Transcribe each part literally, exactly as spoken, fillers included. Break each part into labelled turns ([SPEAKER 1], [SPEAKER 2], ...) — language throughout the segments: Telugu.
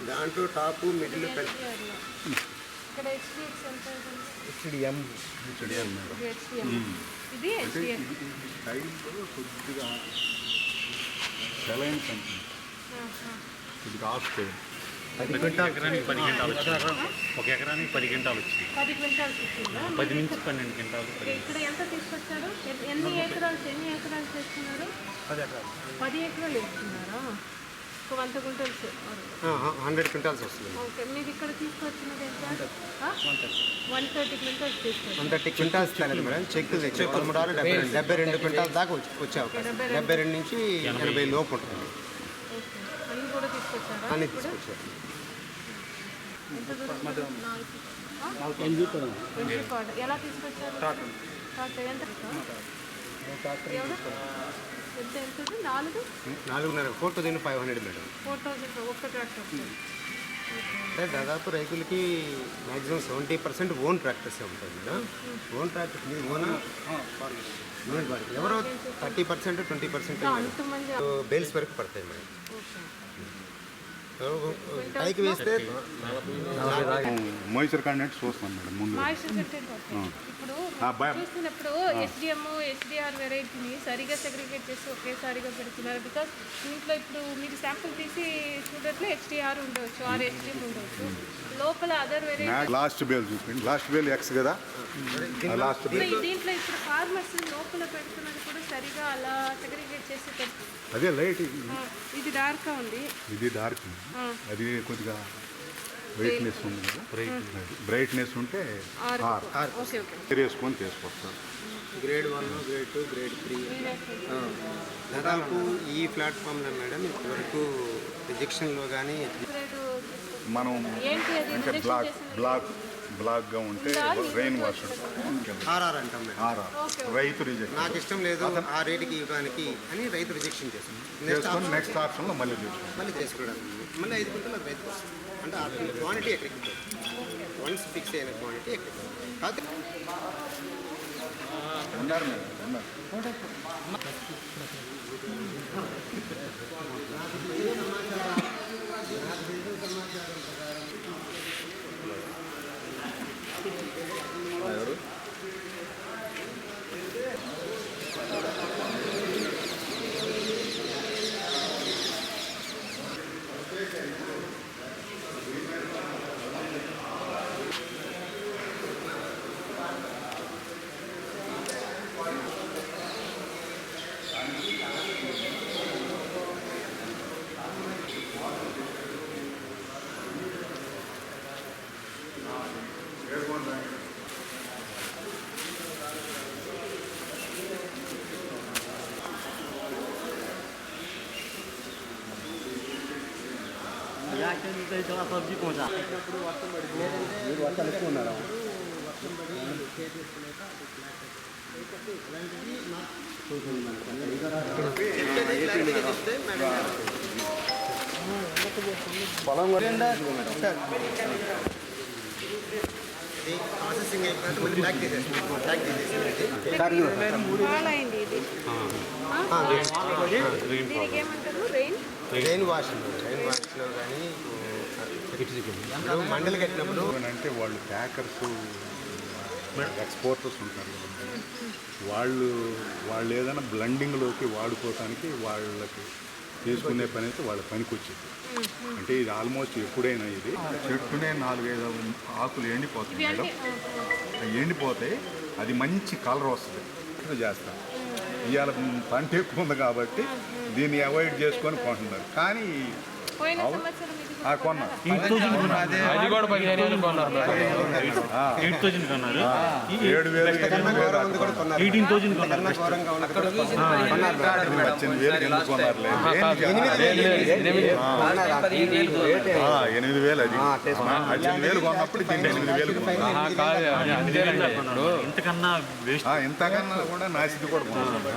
[SPEAKER 1] దాంట్లో టాప్ మిడిల్
[SPEAKER 2] ఇక్కడ హెచ్డిఎఫ్ ఎంత
[SPEAKER 1] హెచ్డిఎం హెచ్డిఎం
[SPEAKER 2] ఇది హెచ్డిఎం ఇది హెచ్డిఎఫ్
[SPEAKER 3] టైంలో కొద్దిగా సెలైన్ కంపెనీ కొద్దిగా ఆఫ్
[SPEAKER 1] పది క్వింటాల్
[SPEAKER 4] ఎకరానికి పది క్వింటాలు వచ్చింది. ఒక ఎకరానికి పది క్వింటాలు వచ్చింది.
[SPEAKER 2] పది క్వింటాల్స్ వచ్చిందా?
[SPEAKER 4] పది నుంచి పన్నెండు క్వింటాలు.
[SPEAKER 2] ఇక్కడ ఎంత తీసుకొచ్చారు? ఎన్ని ఎకరాలు ఎన్ని ఎకరాలు చేస్తున్నారు?
[SPEAKER 1] పది ఎకరాలు
[SPEAKER 2] పది ఎకరాలు వేస్తున్నారా? ఒక వంద క్వింటల్స్
[SPEAKER 1] హండ్రెడ్ క్వింటాల్స్ వస్తుంది.
[SPEAKER 2] ఓకే, మీరు ఇక్కడ తీసుకొచ్చినది ఎంత? వన్ థర్టీ క్వింటల్స్ తీసుకొచ్చారు.
[SPEAKER 1] వన్ థర్టీ క్వింటాల్స్ తగ్గదు మేడం. చెక్ తెచ్చి పదమూడు ఆరు డెబ్బై రెండు డెబ్బై రెండు క్వింటాల్ దాకా వచ్చి వచ్చే అవకాశం. డెబ్బై రెండు నుంచి ఎనభై లోపు ఉంటుంది.
[SPEAKER 2] ఓకే, అన్ని కూడా తీసుకొచ్చారా?
[SPEAKER 1] అన్ని తీసుకొచ్చారు.
[SPEAKER 2] ఎంత దూరం? ఎలా తీసుకొచ్చారు? ట్రాక్టర్ ఎంత? ఎవరు ఎంత ఎంత నాలుగు
[SPEAKER 1] నాలుగున్నర four thousand five hundred madam.
[SPEAKER 2] Four thousand ఒక్క ట్రాక్టర్.
[SPEAKER 1] అంటే దాదాపు రైతులకి మ్యాక్సిమం సెవెంటీ పర్సెంట్ ఓన్ ట్రాక్టర్సే ఉంటుంది మేడం. ఓన్ ట్రాక్టర్ మీరు ఓన్ ఎవరో thirty percent twenty percent bales వరకు పడతాయి మేడం. పైకి వేస్తే
[SPEAKER 3] మాయిశ్చర్ కంటెంట్ చూస్తాం మేడం ముందు.
[SPEAKER 2] ఇప్పుడు చూస్తున్నప్పుడు హెచ్డిఎం హెచ్డిఆర్ వెరైటీని సరిగా సెగ్రిగేట్ చేసి ఒకేసారిగా పెడుతున్నారు. బికాస్ దీంట్లో ఇప్పుడు మీరు శాంపుల్ తీసి చూడట్లో హెచ్డిఆర్ ఉండవచ్చు, ఆర్ హెచ్డిఎం ఉండవచ్చు, లోపల అదర్ వెరైటీ
[SPEAKER 3] లాస్ట్ బేల్ చూపిండి. లాస్ట్ బేల్ ఎక్స్ కదా. లాస్ట్ బేల్
[SPEAKER 2] దీంట్లో ఇప్పుడు ఫార్మర్స్ లోపల పెడుతున్నది కూడా సరిగా అలా సెగ్రిగేట్ చేసి పెడుతుంది.
[SPEAKER 3] అదే లైట్
[SPEAKER 2] ఇది డార్క్ ఉంది,
[SPEAKER 3] ఇది డార్క్, అది కొద్దిగా బ్రైట్నెస్ ఉంది కదా. బ్రైట్నెస్ ఉంటే వేసుకొని తీసుకొస్తారు.
[SPEAKER 1] Grade one grade two grade three దాదాపు ఈ ప్లాట్ఫామ్లో మేడం ఇంతవరకు రిజెక్షన్లో కానీ
[SPEAKER 3] మనం అంటే బ్లాక్ బ్లాక్ బ్లాక్గా ఉంటే రెయిన్ వాషర్
[SPEAKER 1] ఆర్ఆర్ అంటాం మేడం.
[SPEAKER 3] ఆర్ఆర్ రైతు రిజెక్ట్
[SPEAKER 1] నాకు ఇష్టం లేదు ఆ రేటుకి ఇవ్వడానికి అని రైతు రిజెక్షన్ చేస్తాం.
[SPEAKER 3] చేసుకొని నెక్స్ట్ ఆప్షన్లో మళ్ళీ చేసుకోండి.
[SPEAKER 1] మళ్ళీ చేసుకోవడానికి మళ్ళీ ఐదు క్వింటల్ అది రైతుకు వస్తుంది. అంటే ఆ క్వాంటిటీ ఎక్కడికి వన్స్ ఫిక్స్ అయిన క్వాంటిటీ ఎక్కడికి కాదు.
[SPEAKER 3] ఉన్నారు మేడం ఉన్నారు. ఎవరు
[SPEAKER 4] సబ్జీ పోసా
[SPEAKER 1] మీరు వర్షాలు ఎక్కువ ఉన్నారా? పొలం ప్రాసెసింగ్ అయిపోయినట్టు మళ్ళీ బ్యాక్ తీసేస్తాం. బ్యాక్ తీసేసి
[SPEAKER 2] పాలైంది ఇది. దీనికి ఏమంటారు? రెయిన్
[SPEAKER 1] రెయిన్ వాష్ రెయిన్ వాష్లో కానీ మండలి కట్టినప్పుడు
[SPEAKER 3] అంటే వాళ్ళు ప్యాకర్స్ ఎక్స్పోర్టర్స్ ఉంటారు కదా, వాళ్ళు వాళ్ళు ఏదైనా బ్లండింగ్లోకి వాడుకోవటానికి వాళ్ళకి చేసుకునే పని అయితే వాళ్ళ పనికి వచ్చింది. అంటే ఇది ఆల్మోస్ట్ ఎప్పుడైనా ఇది చెట్టునే నాలుగైదు ఆకులు ఎండిపోతాయి మేడం. ఎండిపోతాయి, అది మంచి కలర్ వస్తుంది. చేస్తాం ఇవాళ పంట ఎక్కువ ఉంది కాబట్టి దీన్ని అవాయిడ్ చేసుకొని కొంటున్నారు. కానీ కొన్నా
[SPEAKER 4] అది కూడా పదిహేను వేలు కొన్నారు. ఎయిట్ థౌసండ్ కొన్నారు.
[SPEAKER 3] ఏడు వేలు
[SPEAKER 4] ఎయిటీన్ థౌసండ్ కొన్నారు.
[SPEAKER 3] పద్దెనిమిది వేలు ఎందుకు కొన్నారులే. ఎనిమిది వేలు అది పద్దెనిమిది వేలు కొన్నప్పుడు దీన్ని ఎనిమిది వేలు కొన్నారు.
[SPEAKER 4] ఇంతకన్నా
[SPEAKER 3] ఇంతకన్నా కూడా నాసిది కూడా కొన్నారు.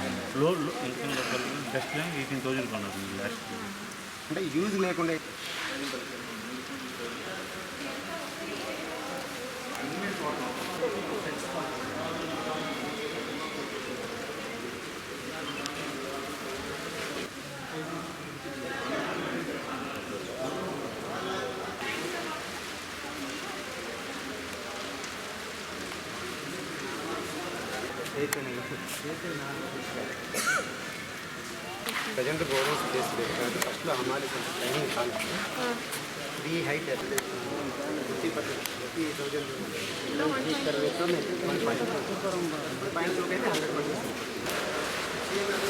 [SPEAKER 4] జస్ట్ ఎయిటీన్ థౌసండ్ కొన్నారు లాస్ట్.
[SPEAKER 1] అంటే యూజ్ లేకుండా ప్రజెంట్ గోడౌన్స్ ప్లేస్ లేదు కాబట్టి ఫస్ట్లో అమ్మాలి టైమింగ్ కాలేదు three height fifty percent fifty thousand point టూకి అయితే హండ్రెడ్ పర్సెంట్